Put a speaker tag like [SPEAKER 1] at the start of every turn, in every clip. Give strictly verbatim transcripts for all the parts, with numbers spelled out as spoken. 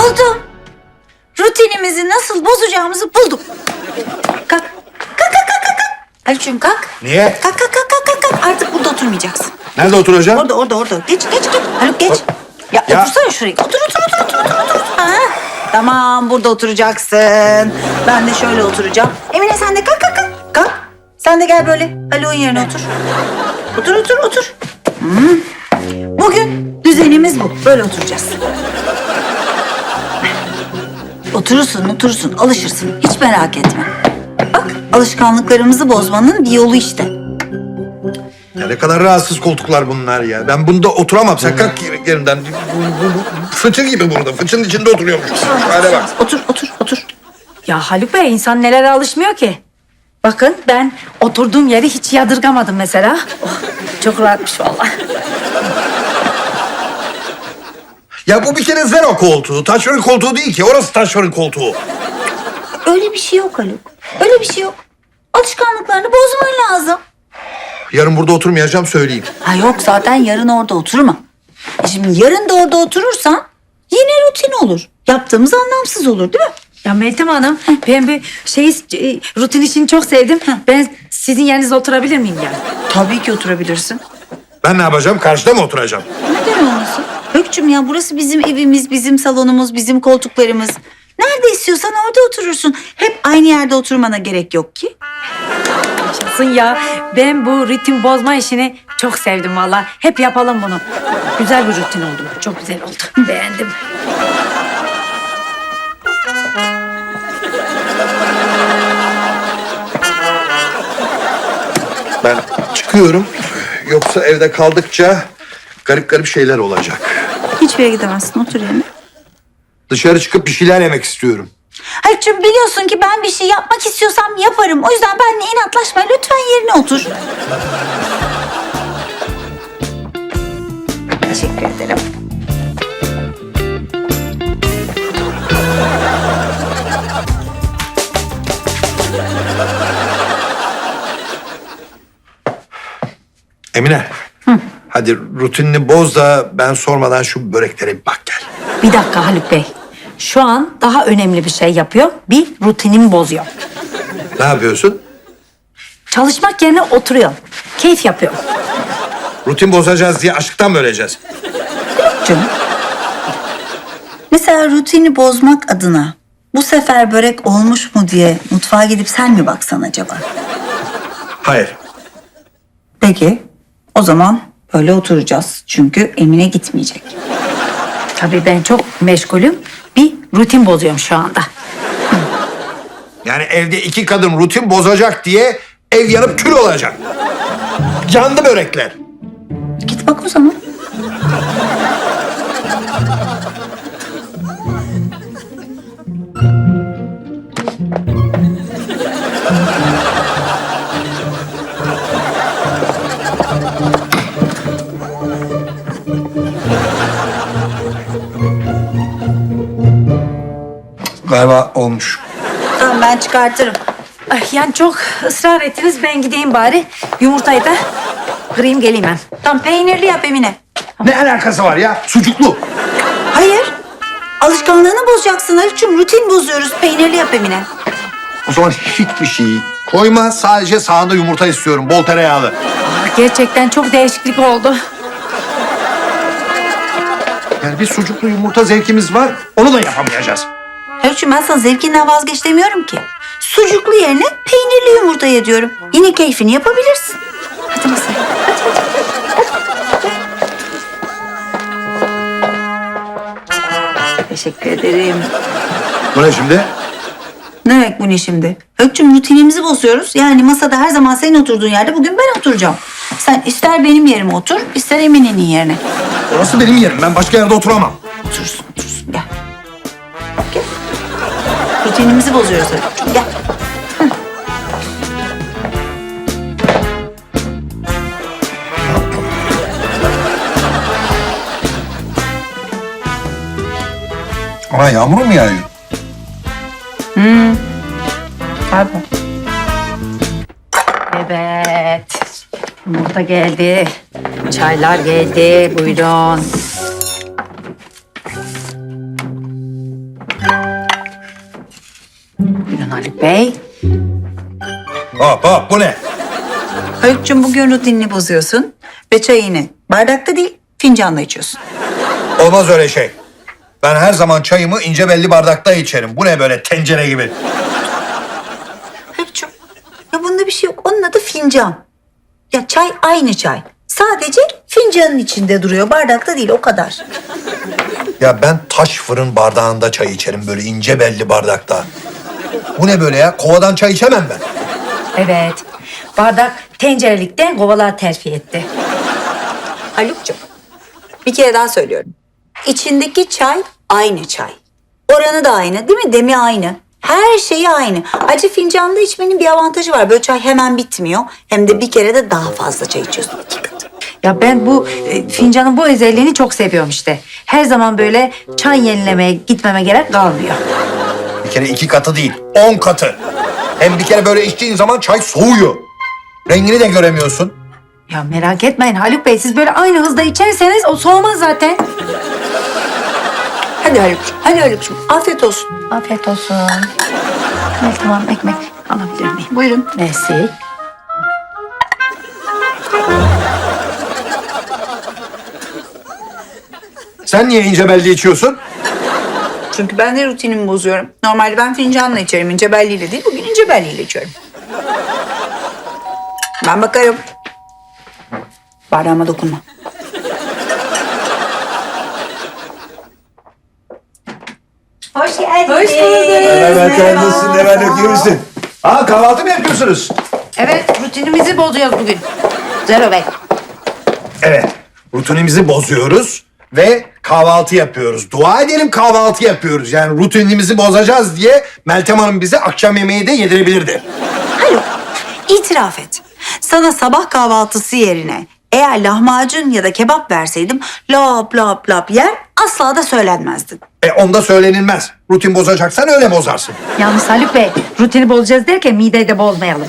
[SPEAKER 1] Buldum. Rutinimizi nasıl bozacağımızı buldum. Kalk. Kalk kalk kalk kalk. Haluk'cum kalk.
[SPEAKER 2] Niye?
[SPEAKER 1] Kalk kalk kalk kalk kalk. kalk. Artık burada oturmayacaksın.
[SPEAKER 2] Nerede oturacağım?
[SPEAKER 1] Orada orada orada. Geç geç geç. Haluk geç. Ya,
[SPEAKER 2] Ya.
[SPEAKER 1] otursana şuraya. Otur otur otur otur otur. otur. Ha? Tamam burada oturacaksın. Ben de şöyle oturacağım. Emine sen de kalk kalk kalk. Kalk. Sen de gel böyle. Haluk'un yerine otur. Otur otur otur. Hmm. Bugün düzenimiz bu. Böyle oturacağız. Oturursun, oturursun, alışırsın. Hiç merak etme. Bak, alışkanlıklarımızı bozmanın bir yolu işte.
[SPEAKER 2] Ya ne kadar rahatsız koltuklar bunlar ya. Ben bunda oturamam. Sen kalk yer- yerinden. Bu, bu, bu, fıçı gibi burada. Fıçının içinde oturuyormuş. Hadi bak.
[SPEAKER 1] Otur, otur, otur.
[SPEAKER 3] Ya Haluk Bey, insan nelere alışmıyor ki? Bakın ben oturduğum yeri hiç yadırgamadım mesela. Oh, çok rahatmış vallahi.
[SPEAKER 2] Ya bu bir kere zero koltuğu. Taşferin koltuğu değil ki. Orası taşferin koltuğu.
[SPEAKER 1] Öyle bir şey yok Haluk. Öyle bir şey yok. Alışkanlıklarını bozman lazım.
[SPEAKER 2] Yarın burada oturmayacağım söyleyeyim.
[SPEAKER 1] Ha yok zaten yarın orada oturma. E şimdi yarın da orada oturursan yine rutin olur. Yaptığımız anlamsız olur değil mi?
[SPEAKER 3] Ya Meltem Hanım, ben bir şey e, rutin işini çok sevdim. Ben sizin yerinizde oturabilir miyim yani?
[SPEAKER 1] Tabii ki oturabilirsin.
[SPEAKER 2] Ben ne yapacağım? Karşıda mı oturacağım?
[SPEAKER 1] Neden olmasın? Hökçüm ya burası bizim evimiz, bizim salonumuz, bizim koltuklarımız. Nerede istiyorsan orada oturursun. Hep aynı yerde oturmana gerek yok ki.
[SPEAKER 3] Yaşasın ya. Ben bu ritim bozma işini çok sevdim vallahi. Hep yapalım bunu. Güzel bir rutin oldu. Çok güzel oldu. Beğendim.
[SPEAKER 2] Ben çıkıyorum. Yoksa evde kaldıkça garip garip şeyler olacak.
[SPEAKER 1] Hiçbir yere gidemezsin. Otur yerine.
[SPEAKER 2] Dışarı çıkıp bir şeyler yemek istiyorum.
[SPEAKER 1] Haluk'cum biliyorsun ki ben bir şey yapmak istiyorsam yaparım. O yüzden benimle inatlaşma. Lütfen yerine otur. Teşekkür ederim.
[SPEAKER 2] Emine. Hadi rutinini boz da ben sormadan şu böreklere bir bak gel.
[SPEAKER 3] Bir dakika Haluk Bey. Şu an daha önemli bir şey yapıyor. Bir rutinimi bozuyor.
[SPEAKER 2] Ne yapıyorsun?
[SPEAKER 3] Çalışmak yerine oturuyor. Keyif yapıyor.
[SPEAKER 2] Rutin bozacağız diye aşktan mı öleceğiz?
[SPEAKER 1] Canım. Mesela rutini bozmak adına bu sefer börek olmuş mu diye mutfağa gidip sen mi baksan acaba?
[SPEAKER 2] Hayır.
[SPEAKER 1] Peki o zaman böyle oturacağız. Çünkü Emine gitmeyecek.
[SPEAKER 3] Tabii ben çok meşgulüm. Bir rutin bozuyorum şu anda.
[SPEAKER 2] Yani evde iki kadın rutin bozacak diye ev yanıp kül olacak. Yandı börekler.
[SPEAKER 1] Git bak o zaman.
[SPEAKER 2] Galiba olmuş.
[SPEAKER 1] Tamam ben çıkartırım.
[SPEAKER 3] Ay, yani çok ısrar ettiniz. Ben gideyim bari. Yumurtayı da kırayım geleyim ben.
[SPEAKER 1] Tamam peynirli yap Emine.
[SPEAKER 2] Ne alakası var ya? Sucuklu.
[SPEAKER 1] Hayır. Alışkanlığını bozacaksın Haluk'cum. Rutin bozuyoruz. Peynirli yap Emine.
[SPEAKER 2] O zaman hiçbir şey koyma. Sadece sağında yumurta istiyorum. Bol tereyağlı.
[SPEAKER 3] Aa, gerçekten çok değişiklik oldu.
[SPEAKER 2] Yani bir sucuklu yumurta zevkimiz var. Onu da yapamayacağız.
[SPEAKER 1] Haluk'cum ben sana zevkinden vazgeç demiyorum ki. Sucuklu yerine peynirli yumurta ye diyorum. Yine keyfini yapabilirsin. Hadi masaya. Hadi hadi. Teşekkür ederim.
[SPEAKER 2] Bu ne şimdi?
[SPEAKER 1] Ne demek bu ne şimdi? Haluk'cum rutinimizi bozuyoruz. Yani masada her zaman senin oturduğun yerde bugün ben oturacağım. Sen ister benim yerime otur, ister Emine'nin yerine.
[SPEAKER 2] Orası benim yerim. Ben başka yerde oturamam.
[SPEAKER 1] Oturursun, oturursun. Gel. Gel. Rutinimizi bozuyoruz Haluk'cum. Gel.
[SPEAKER 2] Ama yağmur mu yağıyor?
[SPEAKER 1] Pardon.
[SPEAKER 3] Evet. Yumurta geldi. Çaylar geldi. Buyurun. Haluk Bey.
[SPEAKER 2] Hop hop bu ne?
[SPEAKER 1] Haluk'cum bugün rutinini bozuyorsun ve çayını bardakta değil fincanla içiyorsun.
[SPEAKER 2] Olmaz öyle şey. Ben her zaman çayımı ince belli bardakta içerim. Bu ne böyle tencere gibi?
[SPEAKER 1] Haluk'cum ya bunda bir şey yok. Onun adı fincan. Ya çay aynı çay. Sadece fincanın içinde duruyor. Bardakta değil o kadar.
[SPEAKER 2] Ya ben taş fırın bardağında çay içerim böyle ince belli bardakta. Bu ne böyle ya? Kovadan çay içemem ben.
[SPEAKER 3] Evet. Bardak tencerelikten kovalar terfi etti.
[SPEAKER 1] Haluk'cum bir kere daha söylüyorum. İçindeki çay aynı çay. Oranı da aynı değil mi? Demi aynı. Her şeyi aynı. Acı fincanda içmenin bir avantajı var. Böyle çay hemen bitmiyor. Hem de bir kere de daha fazla çay içiyorsun. İki katı.
[SPEAKER 3] Ya ben bu e, fincanın bu özelliğini çok seviyorum işte. Her zaman böyle çay yenilemeye gitmeme gerek kalmıyor.
[SPEAKER 2] Bir kere iki katı değil, on katı. Hem bir kere böyle içtiğin zaman çay soğuyor. Rengini de göremiyorsun.
[SPEAKER 3] Ya merak etmeyin Haluk Bey, siz böyle aynı hızda içerseniz o soğumaz zaten.
[SPEAKER 1] Hadi Haluk'cum. Hadi Haluk'cum. Afiyet olsun.
[SPEAKER 3] Afiyet olsun. Evet, tamam, ekmek alabilir miyim?
[SPEAKER 1] Buyurun.
[SPEAKER 3] Mersi.
[SPEAKER 2] Sen niye ince belli içiyorsun?
[SPEAKER 1] Çünkü ben de rutinimi bozuyorum. Normalde ben fincanla içerim. İnce belliyle değil. Bugün ince belliyle içiyorum. Ben bakarım. Bardağıma dokunma. Hoş geldin.
[SPEAKER 3] Hoş bulduk.
[SPEAKER 2] Evet, nasılsın? Hemen öpüyor musun? Aa, kahvaltı mı yapıyorsunuz?
[SPEAKER 3] Evet, rutinimizi bozuyoruz bugün. Zero Bey.
[SPEAKER 2] Evet, rutinimizi bozuyoruz ve kahvaltı yapıyoruz. Dua edelim kahvaltı yapıyoruz. Yani rutinimizi bozacağız diye Meltem Hanım bize akşam yemeği de yedirebilirdi.
[SPEAKER 1] Haluk, itiraf et. Sana sabah kahvaltısı yerine eğer lahmacun ya da kebap verseydim lap lap lap yer asla da söylenmezdin.
[SPEAKER 2] E onda söylenilmez. Rutin bozacaksan öyle bozarsın.
[SPEAKER 3] Yalnız Haluk Bey, rutini bozacağız derken mideyi de bozmayalım.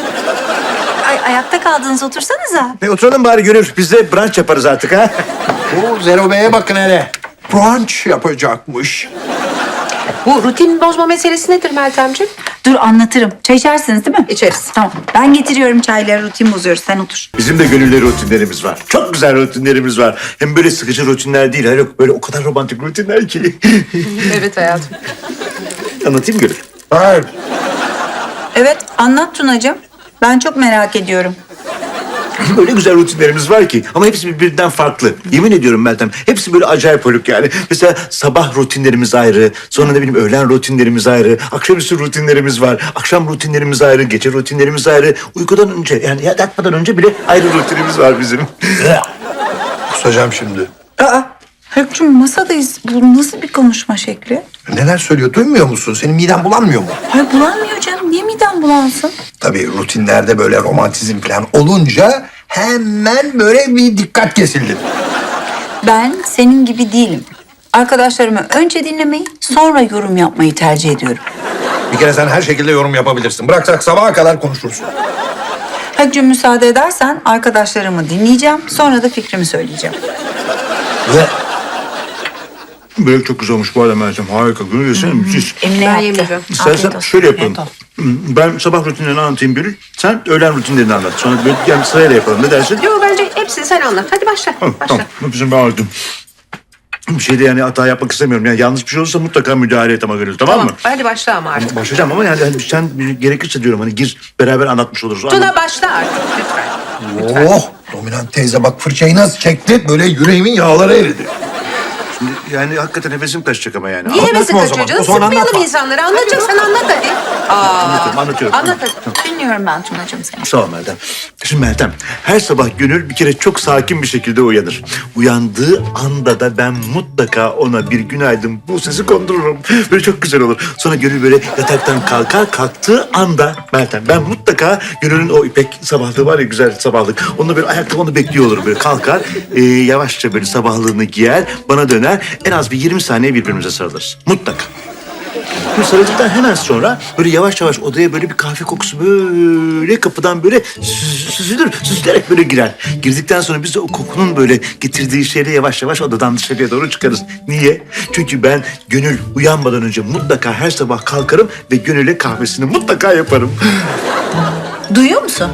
[SPEAKER 1] Ay, ayakta kaldınız otursanıza.
[SPEAKER 4] E oturalım bari Gönül. Biz de brunch yaparız artık ha.
[SPEAKER 2] Bu Zero Bey'e bakın hele. Brunch yapacakmış.
[SPEAKER 5] Bu rutin bozma meselesi nedir Meltemciğim?
[SPEAKER 1] Dur anlatırım. Çay içersiniz değil mi?
[SPEAKER 5] İçeriz.
[SPEAKER 1] Tamam. Ben getiriyorum çayları, rutin bozuyoruz. Sen otur.
[SPEAKER 4] Bizim de Gönül'le rutinlerimiz var. Çok güzel rutinlerimiz var. Hem böyle sıkıcı rutinler değil. Hayır yok böyle o kadar romantik rutinler ki.
[SPEAKER 5] Evet hayatım.
[SPEAKER 4] Anlatayım Gönül.
[SPEAKER 2] Hayır.
[SPEAKER 1] Evet, anlat Tunacığım. Ben çok merak ediyorum.
[SPEAKER 4] Öyle güzel rutinlerimiz var ki ama hepsi birbirinden farklı. Yemin ediyorum Meltem. Hepsi böyle acayip haluk yani. Mesela sabah rutinlerimiz ayrı. Sonra ne bileyim öğlen rutinlerimiz ayrı. Akşamüstü rutinlerimiz var. Akşam rutinlerimiz ayrı. Gece rutinlerimiz ayrı. Uykudan önce yani yatmadan önce bile ayrı rutinimiz var bizim.
[SPEAKER 2] Kusacağım şimdi.
[SPEAKER 1] Aa, Haluk'cum masadayız. Bu nasıl bir konuşma şekli?
[SPEAKER 2] Neler söylüyor duymuyor musun? Senin miden bulanmıyor mu?
[SPEAKER 1] Hayır bulanmıyor canım. Niye midem bulansın?
[SPEAKER 2] Tabii rutinlerde böyle romantizm falan olunca hemen böyle bir dikkat kesildi.
[SPEAKER 1] Ben senin gibi değilim. Arkadaşlarımı önce dinlemeyi, sonra yorum yapmayı tercih ediyorum.
[SPEAKER 2] Bir kere sen her şekilde yorum yapabilirsin. Bıraksak sabaha kadar konuşursun.
[SPEAKER 1] Haluk'cum müsaade edersen arkadaşlarımı dinleyeceğim. Sonra da fikrimi söyleyeceğim.
[SPEAKER 2] Ve
[SPEAKER 4] Börek çok güzel olmuş bu arada Meltem. Harika. Gönül yesene müthiş.
[SPEAKER 1] Emine
[SPEAKER 5] Ben
[SPEAKER 1] yaptı.
[SPEAKER 5] yemeyeceğim.
[SPEAKER 1] Afiyet
[SPEAKER 4] İstersen
[SPEAKER 1] olsun.
[SPEAKER 4] şöyle yapalım.
[SPEAKER 1] Afiyet olsun.
[SPEAKER 4] Ben sabah rutinlerini anlatayım Gönül. Sen öğlen rutinlerini anlat. Sonra böyle yani sırayla yapalım. Ne dersin?
[SPEAKER 5] Yo bence hepsini sen anlat. Hadi başla.
[SPEAKER 4] Tamam,
[SPEAKER 5] Başla.
[SPEAKER 4] tamam. Bizim ben anlattım. Bir şeyde yani hata yapmak istemiyorum. Yani yanlış bir şey olursa mutlaka müdahale et ama Gönül. Tamam,
[SPEAKER 5] Tamam.
[SPEAKER 4] mı?
[SPEAKER 5] Hadi başla ama artık.
[SPEAKER 4] Başlayacağım ama yani hani sen gerekirse diyorum hani gir beraber anlatmış oluruz.
[SPEAKER 5] Tuna başla artık lütfen.
[SPEAKER 2] oh, dominant teyze bak fırçayı nasıl çekti? Böyle yüreğimin yağları eridi.
[SPEAKER 4] Şimdi yani hakikaten nefesim kaçacak ama yani.
[SPEAKER 5] Niye
[SPEAKER 4] Anlatma
[SPEAKER 5] hevesin
[SPEAKER 2] o
[SPEAKER 5] kaçıyor
[SPEAKER 2] zaman.
[SPEAKER 5] canım?
[SPEAKER 2] O zaman
[SPEAKER 5] Sıkmayalım
[SPEAKER 2] anlatma.
[SPEAKER 5] insanları. Anlatacaksan anlat hadi. Aa,
[SPEAKER 4] Anlatıyorum, anlatıyorum.
[SPEAKER 5] Anlat hadi.
[SPEAKER 1] Dinliyorum ben Tunacığım seni.
[SPEAKER 4] Sağ ol Meltem. Şimdi Meltem, her sabah Gönül bir kere çok sakin bir şekilde uyanır. Uyandığı anda da ben mutlaka ona bir günaydın bu sesi kondururum. Böyle çok güzel olur. Sonra Gönül böyle yataktan kalkar, kalktığı anda Meltem ben mutlaka Gönül'ün o ipek sabahlığı var ya güzel sabahlık. Onunla böyle ayakta onu bekliyor olurum. Böyle kalkar, e, yavaşça böyle sabahlığını giyer, bana döner. En az bir yirmi saniye birbirimize sarılırız. Mutlaka. Bu sarıldıktan hemen sonra böyle yavaş yavaş odaya böyle bir kahve kokusu böyle kapıdan böyle süz- süzülür, süzülerek böyle girer. Girdikten sonra biz de o kokunun böyle getirdiği şeyle yavaş yavaş odadan dışarıya doğru çıkarız. Niye? Çünkü ben Gönül uyanmadan önce mutlaka her sabah kalkarım ve Gönül'e kahvesini mutlaka yaparım.
[SPEAKER 1] Duyuyor musun?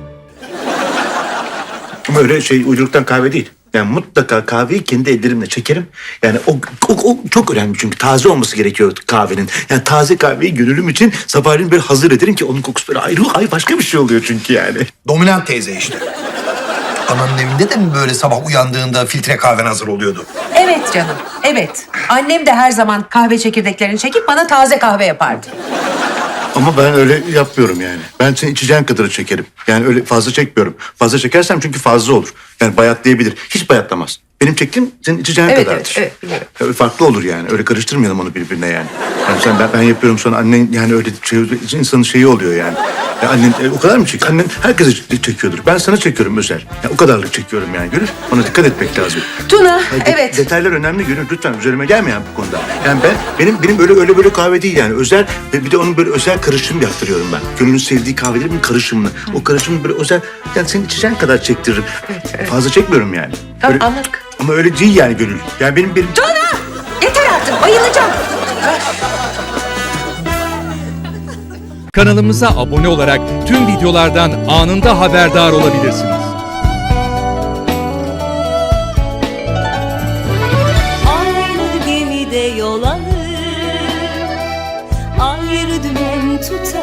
[SPEAKER 4] Ama öyle şey uyduruktan kahve değil. Yani mutlaka kahveyi kendi ellerimle çekerim. Yani o, o, o çok önemli çünkü taze olması gerekiyor kahvenin. Yani taze kahveyi Gönül'üm için sabahleyin böyle hazır ederim ki onun kokusu böyle ayrı, ay başka bir şey oluyor çünkü yani.
[SPEAKER 2] Dominant teyze işte. Ananın evinde de mi böyle sabah uyandığında filtre kahven hazır oluyordu?
[SPEAKER 5] Evet canım, evet. Annem de her zaman kahve çekirdeklerini çekip bana taze kahve yapardı.
[SPEAKER 4] Ama ben öyle yapmıyorum yani. Ben senin içeceğin kadarı çekerim. Yani öyle fazla çekmiyorum. Fazla çekersem çünkü fazla olur. Yani bayatlayabilir. Hiç bayatlamaz. Benim çektiğim senin içeceğin
[SPEAKER 5] Evet,
[SPEAKER 4] kadardır.
[SPEAKER 5] evet, evet, biliyorum.
[SPEAKER 4] Ya farklı olur yani. Öyle karıştırmayalım onu birbirine yani. Yani sen ben, ben yapıyorum sonra annen yani öyle şey, insanın şeyi oluyor yani. Ya annen e, o kadar mı çekiyor? Annen herkese ç- çekiyordur. Ben sana çekiyorum özel. Ya o kadarlık çekiyorum yani. Gönül ona dikkat etmek lazım.
[SPEAKER 5] Tuna,
[SPEAKER 4] Ya de-
[SPEAKER 5] evet.
[SPEAKER 4] Detaylar önemli Gönül. Lütfen üzerime gelme yani bu konuda. Yani ben benim benim öyle öyle böyle kahve değil yani. Özel ve bir de onun böyle özel karışım yaptırıyorum ben. Gönül'ün sevdiği kahvelerin bir karışımını. O karışımı böyle özel yani senin içeceğin kadar çektiririm. Fazla çekmiyorum yani.
[SPEAKER 5] Tamam,
[SPEAKER 4] Öyle-
[SPEAKER 5] anladık.
[SPEAKER 4] Ama öyle değil yani Gönül. Yani benim benim
[SPEAKER 5] Tuna! Yeter artık, bayılacağım.
[SPEAKER 6] Kanalımıza abone olarak tüm videolardan anında haberdar olabilirsiniz.
[SPEAKER 7] Aynı gemide yol alır, ayrı dümen tutar.